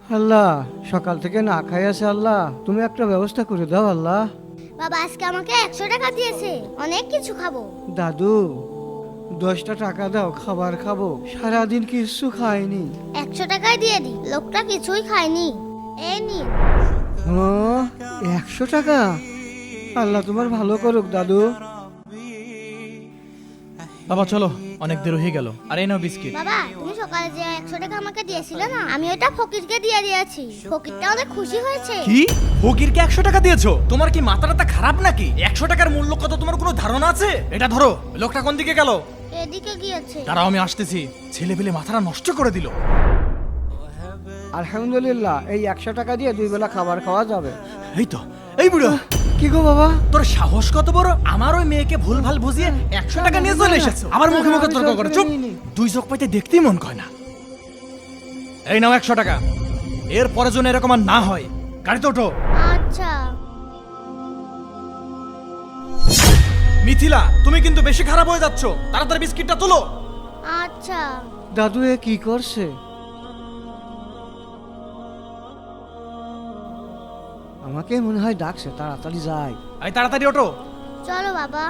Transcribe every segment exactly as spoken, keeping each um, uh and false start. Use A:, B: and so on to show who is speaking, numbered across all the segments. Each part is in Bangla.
A: আল্লাহ, সকাল থেকে না খাই আছে আল্লাহ, তুমি একটা ব্যবস্থা করে দাও আল্লাহ।
B: বাবা আজকে আমাকে একশো টাকা দিয়েছে, অনেক কিছু খাবো।
A: দাদু, দশটা টাকা দাও, খাবার খাবো, সারাদিন কিছু খাইনি।
B: একশো টাকায় দিয়ে দি, লোকটা কিছুই খায়নি। এই নিন।
A: ও, একশো টাকা? আল্লাহ তোমার ভালো করুক দাদু।
C: বাবা চলো, অনেক দেরি হয়ে গেল। আর এই নাও বিস্কিট।
B: বাবা তুমি সকালে যে একশো টাকা আমাকে দিয়েছিলে না, আমি ওটা ফকিরকে দিয়ে দিয়েছি। ফকিরটা অনেক খুশি হয়েছে।
C: কি? ফকিরকে একশো টাকা দিয়েছো? তোমার কি মাথাটা খারাপ নাকি? একশো টাকার মূল্য কত তোমার কোনো ধারণা আছে? এটা ধরো। লোকটা কোন দিকে গেল?
B: এদিকে গিয়েছে।
C: দাঁড়াও, আমি আসতেছি। ছেলে পেলে মাথাটা নষ্ট করে দিল।
A: আলহামদুলিল্লাহ, এই একশো টাকা দিয়ে দুই বেলা খাবার খাওয়া যাবে।
C: এই তো, এই বুড়ো,
A: কি গো বাবা?
C: তোর সাহস কত বড়? আমার ওই মেয়েকে ভুল ভাল বুঝিয়ে একশো টাকা নিয়ে চলে এসেছো। আবার মুখে মুখে তর্ক করে। চুপ। দুই চোখ পাইতে দেখতেই মন কয় না। এই নাও একশো টাকা। এর পরে যেন এরকম আর না হয়। গাড়িতে ওঠো।
B: আচ্ছা।
C: মিথিলা, তুমি কিন্তু বেশি খারাপ হয়ে যাচ্ছ। তাড়াতাড়ি বিস্কিটটা তোলো।
B: আচ্ছা।
A: দাদু এ কি করছে? আমাকে মনে হয় ডাকছে, তাড়াতাড়ি যাই।
C: এই তাড়াতাড়ি ওঠো।
B: চলো বাবা।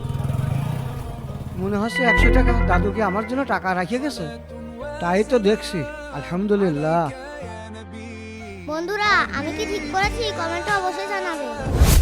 A: মনে হচ্ছে একশো টাকা দাদুকে আমার জন্য টাকা রাখিয়ে গেছে। তাই তো দেখছি। আলহামদুলিল্লাহ।
B: বন্ধুরা আমি কি ঠিক করেছি কমেন্টে অবশ্যই জানাবে।